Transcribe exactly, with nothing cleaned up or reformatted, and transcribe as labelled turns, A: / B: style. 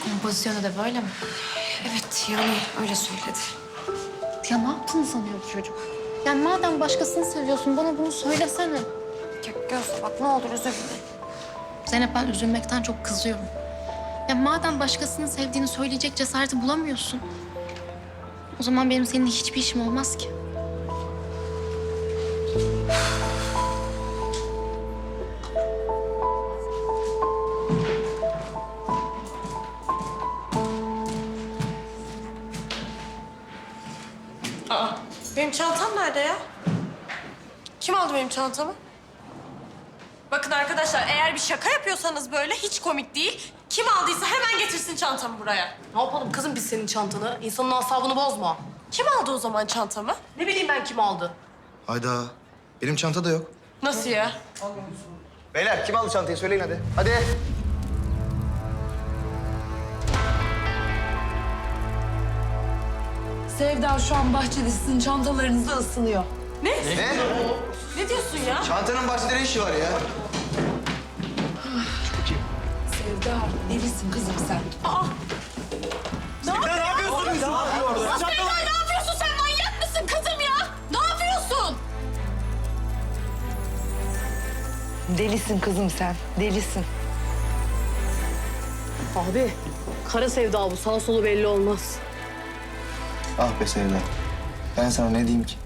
A: Pozisyonu da böyle mi?
B: Evet yani öyle söyledi.
A: Ya ne yaptığını sanıyor bu çocuk? Yani madem başkasını seviyorsun bana bunu söylesene.
B: Ya Gözde bak ne olur üzülme.
A: Zeynep ben üzülmekten çok kızıyorum. Ya madem başkasını sevdiğini söyleyecek cesareti bulamıyorsun. O zaman benim seninle hiçbir işim olmaz ki.
B: Aa, benim çantam nerede ya? Kim aldı benim çantamı? Bakın arkadaşlar eğer bir şaka yapıyorsanız böyle hiç komik değil. Kim aldıysa hemen getirsin çantamı buraya.
C: Ne yapalım kızım biz senin çantanı? İnsanın asabını bozma.
B: Kim aldı o zaman çantamı?
C: Ne bileyim ben kim aldı?
D: Hayda. Benim çanta da yok.
B: Nasıl ya?
D: Beyler kim aldı çantayı söyleyin hadi. Hadi.
E: Sevda şu an bahçede sizin çantalarınızı ısınıyor.
B: Ne?
D: Ne?
B: Ne diyorsun ya?
D: Çantanın bahçede ne işi var ya?
E: Sevda delisin kızım sen.
B: Sevda ne yapıyorsun sen? Manyak mısın kızım ya? Ne yapıyorsun?
E: Delisin kızım sen, delisin.
C: Abi kara sevda bu. Sağ solu belli olmaz.
D: Ah be Sevda. Ben sana ne diyeyim ki?